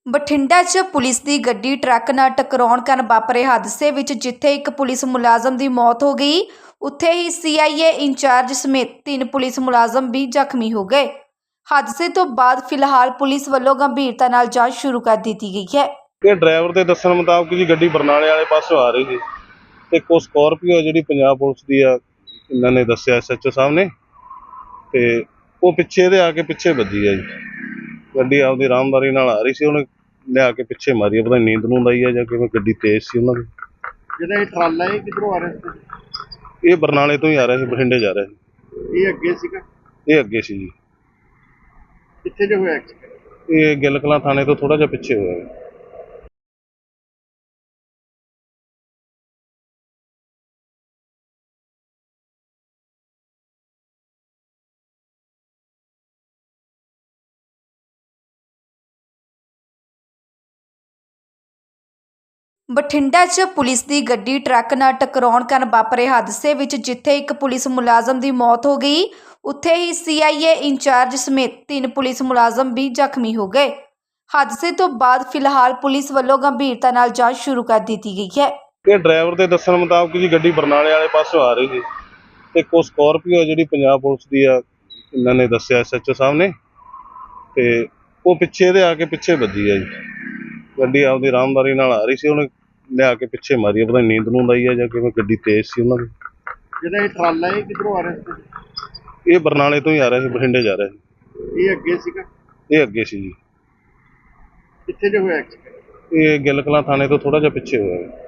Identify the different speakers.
Speaker 1: ਬਠਿੰਡਾ 'ਚ ਪੁਲਿਸ ਦੀ ਗੱਡੀ ਟਰੱਕ ਨਾਲ ਟਕਰਾਉਣ ਕਾਰਨ ਵਾਪਰੇ ਹਾਦਸੇ ਵਿੱਚ ਜਿੱਥੇ ਇੱਕ ਪੁਲਿਸ ਮੁਲਾਜ਼ਮ ਦੀ ਮੌਤ ਹੋ ਗਈ, ਉੱਥੇ ਹੀ ਸੀਆਈਏ ਇੰਚਾਰਜ ਸਮੇਤ 3 ਪੁਲਿਸ ਮੁਲਾਜ਼ਮ ਵੀ ਜ਼ਖਮੀ ਹੋ ਗਏ। ਹਾਦਸੇ ਤੋਂ ਬਾਅਦ ਫਿਲਹਾਲ ਪੁਲਿਸ ਵੱਲੋਂ ਗੰਭੀਰਤਾ ਨਾਲ ਜਾਂਚ ਸ਼ੁਰੂ ਕਰ ਦਿੱਤੀ ਗਈ ਹੈ।
Speaker 2: ਇਹ ਡਰਾਈਵਰ ਦੇ ਦੱਸਣ ਮੁਤਾਬਕ ਜੀ ਗੱਡੀ ਬਰਨਾਲੇ ਵਾਲੇ ਪਾਸੋਂ ਆ ਰਹੀ ਸੀ ਤੇ ਕੋ ਸਕੋਰਪੀਓ ਜਿਹੜੀ ਪੰਜਾਬ ਪੁਲਿਸ ਦੀ ਆ, ਇਹਨਾਂ ਨੇ ਦੱਸਿਆ ਐਸਐਚਓ ਸਾਹਿਬ ਨੇ, ਤੇ ਉਹ ਪਿੱਛੇ ਇਹਦੇ ਆ ਕੇ ਪਿੱਛੇ ਵੱਜੀ ਆ ਜੀ। ਗੱਡੀ ਆਪਦੀ ਆਰਾਮਦਾਰੀ ਨਾਲ ਆ ਰਹੀ ਸੀ, ਉਹਨੇ ਲਿਆ ਕੇ ਪਿੱਛੇ ਮਾਰੀ ਆ। ਪਤਾ ਨਹੀਂ ਨੀਂਦ ਨੂੰ ਆਈ ਆ ਜਾਂ ਕਿਵੇਂ, ਗੱਡੀ ਤੇਜ਼ ਸੀ ਉਹਨਾਂ ਦੀ।
Speaker 3: ਜਿਹੜਾ ਇਹ ਟਰਾਲਾ ਹੈ ਕਿੱਧਰੋਂ ਆ ਰਿਹਾ ਸੀ?
Speaker 2: ਇਹ ਬਰਨਾਲੇ ਤੋਂ ਹੀ ਆ ਰਿਹਾ ਸੀ, ਬਠਿੰਡੇ ਜਾ ਰਿਹਾ ਸੀ।
Speaker 3: ਇਹ ਅੱਗੇ ਸੀਗਾ?
Speaker 2: ਇਹ ਅੱਗੇ ਸੀ ਜੀ।
Speaker 3: ਕਿੱਥੇ ਜੇ ਹੋਇਆ ਐਕਸੀਡੈਂਟ?
Speaker 2: ਇਹ ਗਿੱਲ ਕਲਾਂ ਥਾਣੇ ਤੋਂ ਥੋੜਾ ਜਿਹਾ ਪਿੱਛੇ ਹੋਇਆ।
Speaker 1: ਬਠਿੰਡਾ 'ਚ ਪੁਲਿਸ ਦੀ ਗੱਡੀ ਟਰੱਕ ਨਾਲ ਟਕਰਾਉਣ ਕਾਰਨ ਵਾਪਰੇ ਹਾਦਸੇ ਵਿੱਚ ਜਿੱਥੇ ਇੱਕ ਪੁਲਿਸ ਮੁਲਾਜ਼ਮ ਦੀ ਮੌਤ ਹੋ ਗਈ, ਉੱਥੇ ਹੀ ਸੀਆਈਏ ਇੰਚਾਰਜ ਸਮੇਤ 3 ਪੁਲਿਸ ਮੁਲਾਜ਼ਮ ਵੀ ਜ਼ਖਮੀ ਹੋ ਗਏ। ਹਾਦਸੇ ਤੋਂ ਬਾਅਦ ਫਿਲਹਾਲ ਪੁਲਿਸ ਵੱਲੋਂ ਗੰਭੀਰਤਾ ਨਾਲ ਜਾਂਚ ਸ਼ੁਰੂ ਕਰ ਦਿੱਤੀ ਗਈ ਹੈ।
Speaker 2: ਇਹ ਡਰਾਈਵਰ ਦੇ ਦੱਸਣ ਮੁਤਾਬਕ ਜੀ ਗੱਡੀ ਬਰਨਾਲੇ ਵਾਲੇ ਪਾਸੋਂ ਆ ਰਹੀ ਸੀ ਤੇ ਕੋ ਸਕੋਰਪੀਓ ਜਿਹੜੀ ਪੰਜਾਬ ਪੁਲਿਸ ਦੀ ਆ, ਇਹਨਾਂ ਨੇ ਦੱਸਿਆ ਐਸਐਚਓ ਸਾਹਿਬ ਨੇ, ਤੇ ਉਹ ਪਿੱਛੇ ਇਹਦੇ ਆ ਕੇ ਪਿੱਛੇ ਵੱਜੀ ਆ ਜੀ। ਗੱਡੀ ਆਪਦੀ ਆਰਾਮਦਾਰੀ ਨਾਲ ਆ ਰਹੀ ਸੀ, ਉਹਨੇ ਲਿਆ ਕੇ ਪਿੱਛੇ ਮਾਰੀ ਆ। ਪਤਾ ਨਹੀਂ ਨੀਂਦ ਨੂੰ ਆਈ ਆ ਜਾਂ ਕਿਵੇਂ, ਗੱਡੀ ਤੇਜ਼ ਸੀ ਉਹਨਾਂ ਦੀ।
Speaker 3: ਜਿਹੜਾ ਇਹ ਟਰਾਲਾ ਹੈ ਕਿੱਧਰੋਂ ਆ ਰਿਹਾ ਸੀ?
Speaker 2: ਇਹ ਬਰਨਾਲੇ ਤੋਂ ਹੀ ਆ ਰਿਹਾ ਸੀ, ਬਠਿੰਡੇ ਜਾ ਰਿਹਾ ਸੀ।
Speaker 3: ਇਹ ਅੱਗੇ ਸੀਗਾ?
Speaker 2: ਇਹ ਅੱਗੇ ਸੀ ਜੀ।
Speaker 3: ਕਿੱਥੇ ਜੇ ਹੋਇਆ ਐਕਸੀਡੈਂਟ?
Speaker 2: ਇਹ ਗਿੱਲ ਕਲਾਂ ਥਾਣੇ ਤੋਂ ਥੋੜਾ ਜਿਹਾ ਪਿੱਛੇ ਹੋਇਆ।